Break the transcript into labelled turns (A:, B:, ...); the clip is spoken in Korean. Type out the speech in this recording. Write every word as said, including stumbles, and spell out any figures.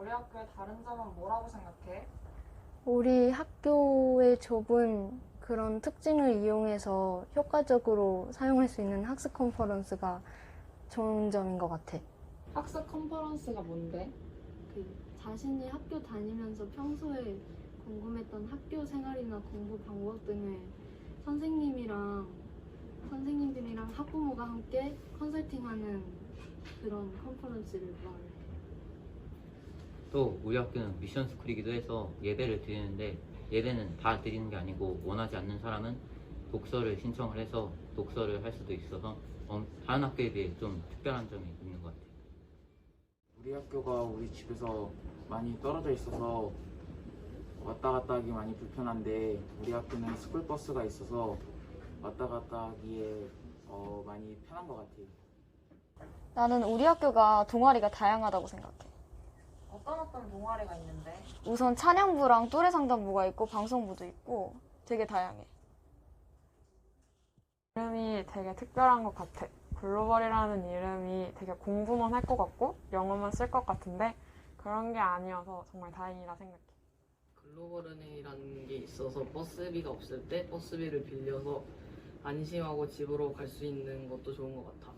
A: 우리 학교의 다른 점은 뭐라고 생각해?
B: 우리 학교의 좁은 그런 특징을 이용해서 효과적으로 사용할 수 있는 학습 컨퍼런스가 좋은 점인 것 같아.
A: 학습 컨퍼런스가 뭔데?
B: 그 자신이 학교 다니면서 평소에 궁금했던 학교 생활이나 공부 방법 등을 선생님이랑 선생님들이랑 학부모가 함께 컨설팅하는 그런 컨퍼런스를 말해.
C: 또 우리 학교는 미션 스쿨이기도 해서 예배를 드리는데 예배는 다 드리는 게 아니고 원하지 않는 사람은 독서를 신청을 해서 독서를 할 수도 있어서 어, 다른 학교에 비해 좀 특별한 점이 있는 것 같아요.
D: 우리 학교가 우리 집에서 많이 떨어져 있어서 왔다 갔다 하기 많이 불편한데 우리 학교는 스쿨버스가 있어서 왔다 갔다 하기에 어, 많이 편한 것 같아요.
E: 나는 우리 학교가 동아리가 다양하다고 생각해.
A: 어떤 어떤 동아리가 있는데?
E: 우선 찬양부랑 또래상담부가 있고 방송부도 있고 되게 다양해.
F: 이름이 되게 특별한 것 같아. 글로벌이라는 이름이 되게 공부만 할 것 같고 영어만 쓸 것 같은데 그런 게 아니어서 정말 다행이라 생각해.
G: 글로벌은행이라는 게 있어서 버스비가 없을 때 버스비를 빌려서 안심하고 집으로 갈 수 있는 것도 좋은 것 같아.